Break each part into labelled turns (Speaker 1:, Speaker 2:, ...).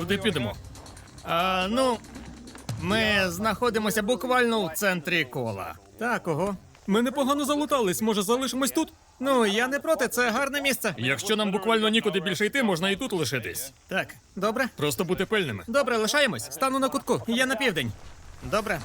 Speaker 1: Куди підемо?
Speaker 2: Ми знаходимося буквально у центрі кола. Так, ого.
Speaker 1: Ми непогано залутались, може залишимось тут?
Speaker 2: Ну, я не проти, це гарне місце.
Speaker 1: Якщо нам буквально нікуди більше йти, можна і тут лишитись.
Speaker 2: Так, добре?
Speaker 1: Просто бути пильними.
Speaker 2: Добре, лишаємось. Стану на кутку. Я на південь. Добре.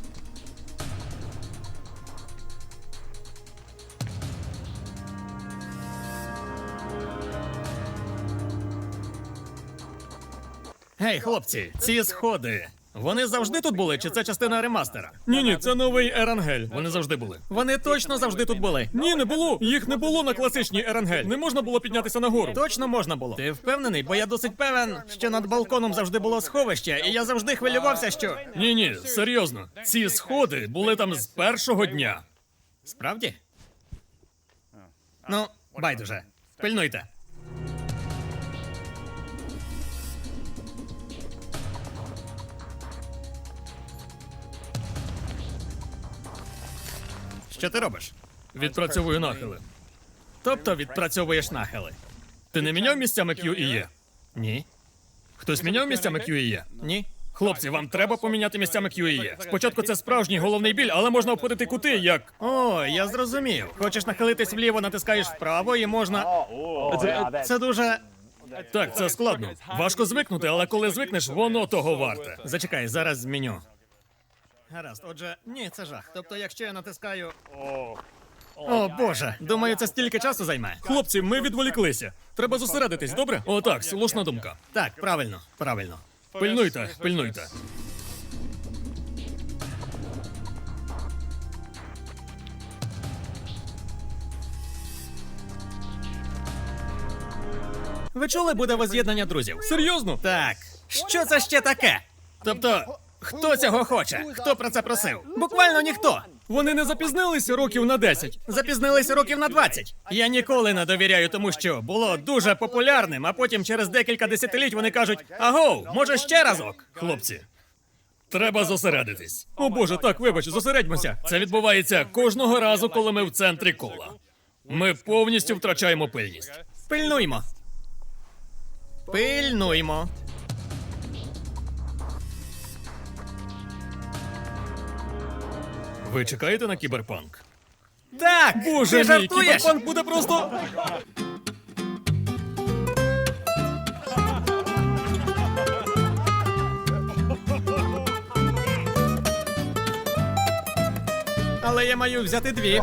Speaker 2: Гей, хлопці, ці сходи. Вони завжди тут були, чи це частина ремастера?
Speaker 1: Ні, це новий Ерангель. Вони завжди були.
Speaker 2: Вони точно завжди тут були.
Speaker 1: Ні, не було. Їх не було на класичній Ерангель. Не можна було піднятися нагору.
Speaker 2: Точно можна було. Ти впевнений? Бо я досить певен, що над балконом завжди було сховище, і я завжди хвилювався, що.
Speaker 1: Ні, серйозно. Ці сходи були там з першого дня.
Speaker 2: Справді? Ну, байдуже. Пильнуйте. Що ти робиш?
Speaker 1: Відпрацьовую нахили.
Speaker 2: Тобто відпрацьовуєш нахили?
Speaker 1: Ти не міняв місцями Q і E?
Speaker 2: Ні.
Speaker 1: Хтось міняв місцями Q і E?
Speaker 2: Ні.
Speaker 1: Хлопці, вам треба поміняти місцями Q і E. Спочатку це справжній головний біль, але можна обходити кути, як...
Speaker 2: О, я зрозумів. Хочеш нахилитись вліво, натискаєш вправо і можна. Це дуже.
Speaker 1: Так, це складно. Важко звикнути, але коли звикнеш, воно того варте.
Speaker 2: Зачекай, зараз зміню. Гаразд, отже, ні, це жах. Тобто, якщо я натискаю. О, Боже, думаю, це стільки часу займе.
Speaker 1: Хлопці, ми відволіклися. Треба зосередитись, добре? О, так, слушна думка.
Speaker 2: Так, правильно, правильно.
Speaker 1: Пильнуйте.
Speaker 2: Ви чули, буде воз'єднання друзів?
Speaker 1: Серйозно?
Speaker 2: Так. Що це ще таке? Тобто, хто цього хоче? Хто про це просив? Буквально ніхто.
Speaker 1: Вони не запізнилися років на 10.
Speaker 2: Запізнилися років на 20. Я ніколи не довіряю тому, що було дуже популярним, а потім через декілька десятиліть вони кажуть: агоу, може ще разок?
Speaker 1: Хлопці, треба зосередитись. О боже, так, вибач, зосередьмося. Це відбувається кожного разу, коли ми в центрі кола. Ми повністю втрачаємо пильність.
Speaker 2: Пильнуймо. Пильнуймо.
Speaker 1: Ви чекаєте на кіберпанк?
Speaker 2: Так!
Speaker 1: Боже
Speaker 2: ти
Speaker 1: мій,
Speaker 2: жартуєш?
Speaker 1: кіберпанк буде просто...
Speaker 2: Але я маю взяти дві.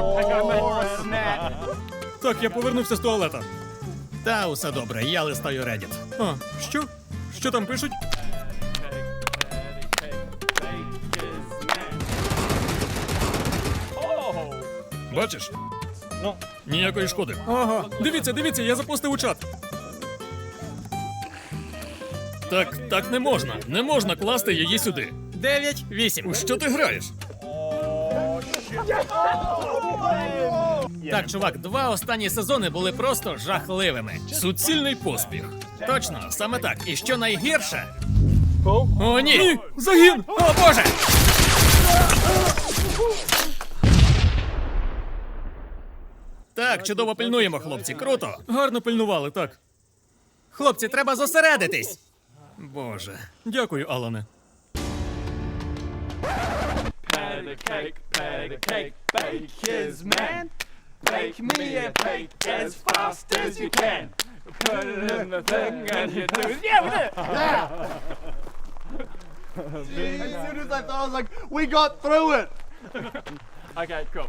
Speaker 1: Так, я повернувся з туалета.
Speaker 2: Та усе добре, я листаю Reddit.
Speaker 1: А, що? Що там пишуть? Бачиш? Ніякої шкоди.
Speaker 2: Ого.
Speaker 1: Дивіться, я запостив у чат. Так не можна. Не можна класти її сюди.
Speaker 2: 9-8.
Speaker 1: У що ти граєш?
Speaker 2: Так, чувак, два останні сезони були просто жахливими.
Speaker 1: Суцільний поспіх.
Speaker 2: Точно, саме так. І що найгірше?
Speaker 1: О, ні! Загін!
Speaker 2: О, Боже! Так, чудово пильнуємо, хлопці. Круто.
Speaker 1: Гарно пильнували, так.
Speaker 2: Хлопці, треба зосередитись. Боже.
Speaker 1: Дякую, Алане.
Speaker 3: Patty cake, bake his man. Bake me a cake as fast as you can. Put it in the thing and you do it. Yeah, we did it!
Speaker 4: As soon as I thought, I was like, we got through it!
Speaker 3: Okay, cool.